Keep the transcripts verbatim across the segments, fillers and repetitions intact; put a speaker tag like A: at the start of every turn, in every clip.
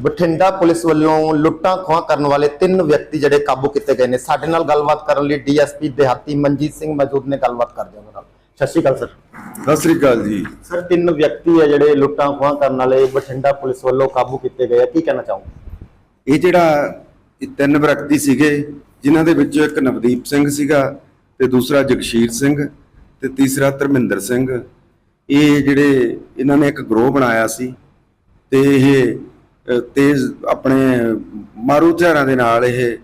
A: Bathinda police ਵੱਲੋਂ ਲੁੱਟਾਂ ਖੋਹਾਂ ਕਰਨ ਵਾਲੇ ਤਿੰਨ ਵਿਅਕਤੀ ਜਿਹੜੇ ਕਾਬੂ ਕੀਤੇ ਗਏ ਨੇ। ਸਾਡੇ ਨਾਲ ਗੱਲਬਾਤ ਕਰਨ ਲਈ ਡੀਐਸਪੀ ਦਿਹਾਤੀ ਮਨਜੀਤ ਸਿੰਘ ਮੌਜੂਦ ਨੇ। ਗੱਲਬਾਤ ਕਰਦੇ ਹਾਂ ਨਾਲ। ਸਤਿ ਸ਼੍ਰੀ ਅਕਾਲ ਸਰ।
B: ਸਤਿ ਸ੍ਰੀ ਅਕਾਲ ਜੀ
A: ਸਰ, ਤਿੰਨ ਵਿਅਕਤੀ ਹੈ ਜਿਹੜੇ ਲੁੱਟਾਂ ਖੋਹਾਂ ਕਰਨ ਵਾਲੇ ਬਠਿੰਡਾ ਪੁਲਿਸ ਵੱਲੋਂ ਕਾਬੂ ਕੀਤੇ ਗਏ ਆ, ਕੀ ਕਹਿਣਾ ਚਾਹੋਗੇ?
B: ਇਹ ਜਿਹੜਾ ਇਹ ਤਿੰਨ ਵਿਅਕਤੀ ਸੀਗੇ, ਜਿਨ੍ਹਾਂ ਦੇ ਵਿੱਚੋਂ ਇੱਕ ਨਵਦੀਪ ਸਿੰਘ ਸੀਗਾ ਤੇ ਦੂਸਰਾ ਜਗਸ਼ੀਰ ਸਿੰਘ ਤੇ ਤੀਸਰਾ ਧਰਮਿੰਦਰ ਸਿੰਘ। ਇਹ ਜਿਹੜੇ ਇਹਨਾਂ ਨੇ ਇੱਕ ਗਰੋਹ ਬਣਾਇਆ ਸੀ ਤੇ ਇਹ ਤੇਜ਼ ਆਪਣੇ ਮਾਰੂ ਹਥਿਆਰਾਂ ਦੇ ਨਾਲ ਇਹ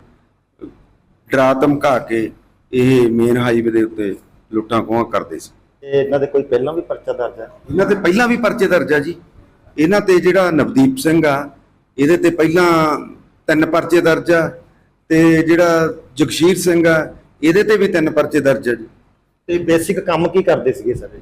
B: ਡਰਾ ਧਮਕਾ ਕੇ ਇਹ ਮੇਨ ਹਾਈਵੇ ਦੇ ਉੱਤੇ ਲੁੱਟਾਂ ਖੋਹਾਂ ਕਰਦੇ ਸੀ।
A: ਤੇ ਇਹਨਾਂ ਦੇ ਕੋਈ ਪਹਿਲਾਂ ਵੀ ਪਰਚਾ ਦਰਜ ਹੈ?
B: ਇਹਨਾਂ ਤੇ ਪਹਿਲਾਂ ਵੀ ਪਰਚੇ ਦਰਜ ਆ ਜੀ। ਇਹਨਾਂ ਤੇ ਜਿਹੜਾ ਨਵਦੀਪ ਸਿੰਘ ਆ, ਇਹਦੇ ਤੇ ਪਹਿਲਾਂ ਤਿੰਨ ਪਰਚੇ ਦਰਜ ਆ ਤੇ ਜਿਹੜਾ ਜਗਸ਼ੀਰ ਸਿੰਘ ਆ, ਇਹਦੇ ਤੇ ਵੀ ਤਿੰਨ ਪਰਚੇ ਦਰਜ ਆ ਜੀ।
A: ਤੇ ਬੇਸਿਕ ਕੰਮ ਕੀ ਕਰਦੇ ਸੀਗੇ ਸਰ?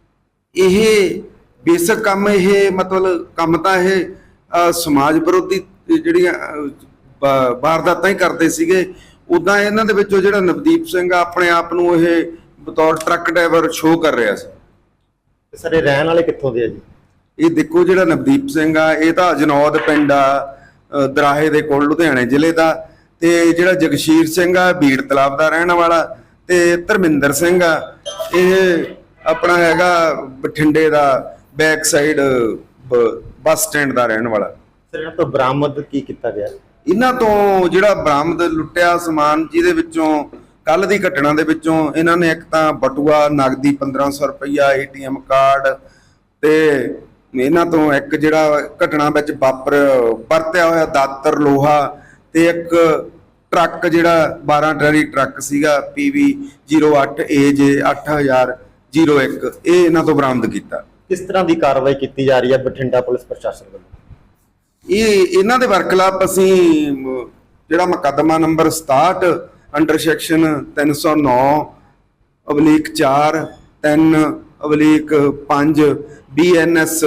B: ਇਹ ਬੇਸਿਕ ਕੰਮ ਇਹ ਮਤਲਬ ਕੰਮ ਤਾਂ ਇਹ ਸਮਾਜ ਵਿਰੋਧੀ ਜਿਹੜੀਆਂ ਵਾਰਦਾਤਾਂ ਹੀ ਕਰਦੇ ਸੀਗੇ। ਉਦਾਂ ਇਹਨਾਂ ਦੇ ਵਿੱਚੋਂ ਜਿਹੜਾ ਨਵਦੀਪ ਸਿੰਘ ਆ, ਆਪਣੇ ਆਪ ਨੂੰ ਇਹ ਬਤੌਰ ਟਰੱਕ ਡਰਾਈਵਰ ਸ਼ੋਅ ਕਰ ਰਿਹਾ ਸੀ।
A: ਸਰ, ਇਹ ਰਹਿਣ ਵਾਲੇ ਕਿੱਥੋਂ ਦੇ ਆ ਜੀ?
B: ਇਹ ਦੇਖੋ, ਜਿਹੜਾ ਨਵਦੀਪ ਸਿੰਘ ਆ ਇਹ ਤਾਂ ਜਨੌਦ ਪਿੰਡ ਆ ਦਰਾਹੇ ਦੇ ਕੋਲ, ਲੁਧਿਆਣੇ ਜ਼ਿਲ੍ਹੇ ਦਾ। ਤੇ ਜਿਹੜਾ ਜਗਸ਼ੀਰ ਸਿੰਘ ਆ ਬੀੜ ਤਲਾਬ ਦਾ ਰਹਿਣ ਵਾਲਾ। ਤੇ ਧਰਮਿੰਦਰ ਸਿੰਘ ਆ, ਇਹ ਆਪਣਾ ਹੈਗਾ ਬਠਿੰਡੇ ਦਾ ਬੈਕ ਸਾਈਡ ਬੱਸ ਸਟੈਂਡ ਦਾ ਰਹਿਣ ਵਾਲਾ।
A: ਸਰ, ਇਹਨਾਂ ਤੋਂ ਬਰਾਮਦ ਕੀ ਕੀਤਾ ਗਿਆ?
B: ਇਹਨਾਂ ਤੋਂ ਜਿਹੜਾ ਬਰਾਮਦ ਲੁੱਟਿਆ ਸਮਾਨ, ਜਿਹਦੇ ਵਿੱਚੋਂ ਕੱਲ ਦੀ ਘਟਨਾ ਦੇ ਵਿੱਚੋਂ ਇਹਨਾਂ ਨੇ ਇੱਕ ਤਾਂ ਬਟੂਆ, ਨਗਦੀ ਪੰਦਰਾਂ ਸੌ ਰੁਪਈਆ, ਏਟੀਐਮ ਕਾਰਡ ਤੇ ਇਹਨਾਂ ਤੋਂ ਇੱਕ ਜਿਹੜਾ ਘਟਨਾ ਵਿੱਚ ਵਾਪਰ ਵਰਤਿਆ ਹੋਇਆ ਦਾਤਰ, ਲੋਹਾ ਤੇ ਇੱਕ ਟਰੱਕ ਜਿਹੜਾ ਬਾਰਾਂ ਟਰਾਲੀ ਟਰੱਕ ਸੀਗਾ ਪੀਵੀ ਜ਼ੀਰੋ ਅੱਠ ਏ ਜੇ ਅੱਠ ਹਜ਼ਾਰ ਜ਼ੀਰੋ ਇੱਕ, ਇਹ ਇਹਨਾਂ ਤੋਂ ਬਰਾਮਦ ਕੀਤਾ।
A: ਕਿਸ ਤਰ੍ਹਾਂ ਦੀ ਕਾਰਵਾਈ ਕੀਤੀ ਜਾ ਰਹੀ ਹੈ ਬਠਿੰਡਾ ਪੁਲਿਸ ਪ੍ਰਸ਼ਾਸਨ ਵੱਲੋਂ? ਇਹ
B: ਇਹਨਾਂ ਦੇ ਵਰਖਲਾਪ ਅਸੀਂ ਜਿਹੜਾ ਮੁਕੱਦਮਾ ਨੰਬਰ ਸਤਾਹਠ ਅੰਡਰ ਸੈਕਸ਼ਨ ਤਿੰਨ ਸੌ ਨੌ ਅਵਲੀਕ ਚਾਰ ਤਿੰਨ ਅਵਲੀਕ ਪੰਜ ਬੀ ਐਨ ਐਸ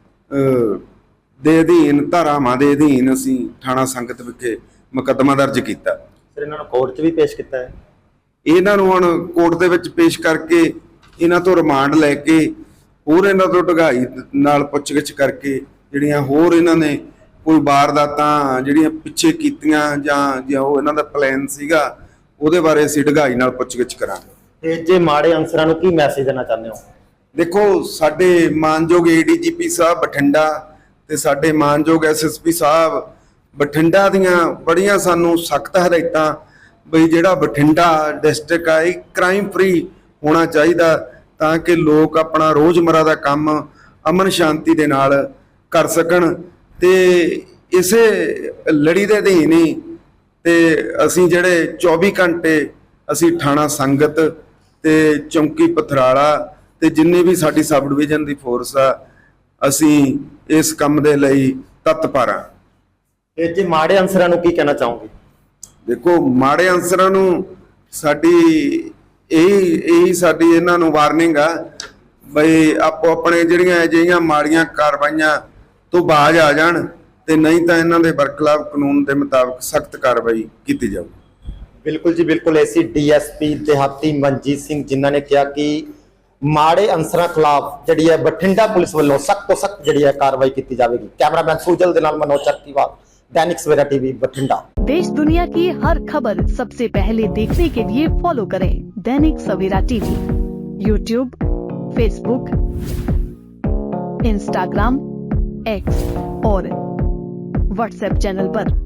B: ਦੇ ਅਧੀਨ ਧਾਰਾਵਾਂ ਦੇ ਅਧੀਨ ਅਸੀਂ ਥਾਣਾ ਸੰਗਤ ਵਿਖੇ ਮੁਕੱਦਮਾ ਦਰਜ ਕੀਤਾ।
A: ਸਰ, ਇਹਨਾਂ ਨੂੰ ਕੋਰਟ 'ਚ ਵੀ ਪੇਸ਼ ਕੀਤਾ ਹੈ?
B: ਇਹਨਾਂ ਨੂੰ ਹੁਣ ਕੋਰਟ ਦੇ ਵਿੱਚ ਪੇਸ਼ ਕਰਕੇ ਇਹਨਾਂ ਤੋਂ ਰਿਮਾਂਡ ਲੈ ਕੇ ਹੋਰ ਇਹਨਾਂ ਤੋਂ ਢਗਾਈ ਨਾਲ ਪੁੱਛਗਿੱਛ ਕਰਕੇ ਜਿਹੜੀਆਂ ਹੋਰ ਇਹਨਾਂ ਨੇ ਕੋਈ ਵਾਰਦਾਤਾਂ ਜਿਹੜੀਆਂ ਪਿੱਛੇ ਕੀਤੀਆਂ ਜਾਂ ਜਾਂ ਉਹ ਇਹਨਾਂ ਦਾ ਪਲਾਨ ਸੀਗਾ, ਉਹਦੇ ਬਾਰੇ ਅਸੀਂ ਢਗਾਈ ਨਾਲ ਪੁੱਛਗਿੱਛ ਕਰਾਂਗੇ।
A: ਤੇ ਜੇ ਮਾੜੇ ਅਨਸਰਾਂ ਨੂੰ ਕੀ ਮੈਸੇਜ ਦੇਣਾ ਚਾਹੁੰਦੇ ਹੋ?
B: ਦੇਖੋ, ਸਾਡੇ ਮਾਨਯੋਗ ਏਡੀਜੀਪੀ ਸਾਹਿਬ ਬਠਿੰਡਾ ਤੇ ਸਾਡੇ ਮਾਨਯੋਗ ਐਸਐਸਪੀ ਸਾਹਿਬ ਬਠਿੰਡਾ ਦੀਆਂ ਬੜੀਆਂ ਸਾਨੂੰ ਸਖਤ ਹਦਾਇਤਾਂ ਬਈ ਜਿਹੜਾ ਬਠਿੰਡਾ ਡਿਸਟ੍ਰਿਕਟ ਆ ਇਹ ਕ੍ਰਾਈਮ ਫ੍ਰੀ ਹੋਣਾ ਚਾਹੀਦਾ, ਤਾਂ ਕਿ ਲੋਕ ਆਪਣਾ ਰੋਜ਼ਮਰਾ ਦਾ ਕੰਮ ਅਮਨ ਸ਼ਾਂਤੀ ਦੇ ਨਾਲ ਕਰ ਸਕਣ। ਤੇ ਇਸੇ ਲੜੀ ਦੇ ਅਧੀਨ ਹੀ ਤੇ ਅਸੀਂ ਜਿਹੜੇ ਚੌਵੀ ਘੰਟੇ ਅਸੀਂ ਥਾਣਾ ਸੰਗਤ ਤੇ ਚੌਂਕੀ ਪਥਰਾਲਾ ਤੇ ਜਿੰਨੇ ਵੀ ਸਾਡੀ ਸਬ ਡਿਵੀਜ਼ਨ ਦੀ ਫੋਰਸ ਆ, ਅਸੀਂ ਇਸ ਕੰਮ ਦੇ ਲਈ ਤਤਪਰ ਹਾਂ।
A: ਤੇ ਜੇ ਮਾੜੇ ਅਨਸਰਾਂ ਨੂੰ ਕੀ ਕਹਿਣਾ ਚਾਹੋਗੇ?
B: ਦੇਖੋ, ਮਾੜੇ ਅਨਸਰਾਂ ਨੂੰ ਸਾਡੀ ਇਹੀ ਇਹੀ ਸਾਡੀ ਇਹਨਾਂ ਨੂੰ ਵਾਰਨਿੰਗ ਆ ਬਈ ਆਪੋ ਆਪਣੇ ਜਿਹੜੀਆਂ ਅਜਿਹੀਆਂ ਮਾੜੀਆਂ ਕਾਰਵਾਈਆਂ ਤੋਂ ਬਾਜ਼ ਆ ਜਾਣ, ਤੇ ਨਹੀਂ ਤਾਂ ਇਹਨਾਂ ਦੇ ਬਰਖਲਾਫ ਕਾਨੂੰਨ ਦੇ ਮੁਤਾਬਕ ਸਖਤ ਕਾਰਵਾਈ ਕੀਤੀ ਜਾਊ।
A: ਬਿਲਕੁਲ ਜੀ, ਬਿਲਕੁਲ। ਐਸੀ ਡੀਐਸਪੀ ਦਿਹਾਤੀ ਮਨਜੀਤ ਸਿੰਘ ਜਿਨ੍ਹਾਂ ਨੇ ਕਿਹਾ ਕਿ ਮਾੜੇ ਅਨਸਰਾਂ ਖਿਲਾਫ ਜਿਹੜੀ ਹੈ ਬਠਿੰਡਾ ਪੁਲਿਸ ਵੱਲੋਂ ਸਖਤ ਤੋਂ ਸਖਤ ਜਿਹੜੀ ਹੈ ਕਾਰਵਾਈ ਕੀਤੀ ਜਾਵੇਗੀ। कैमरामैन सुजल के नाल मनोज चरकीवाल, दैनिक सवेरा टीवी बठिंडा।
C: देश दुनिया की हर खबर सबसे पहले देखने के लिए फॉलो करें Dainik Savera TV, YouTube, Facebook, Instagram, X और व्हाट्सएप चैनल पर।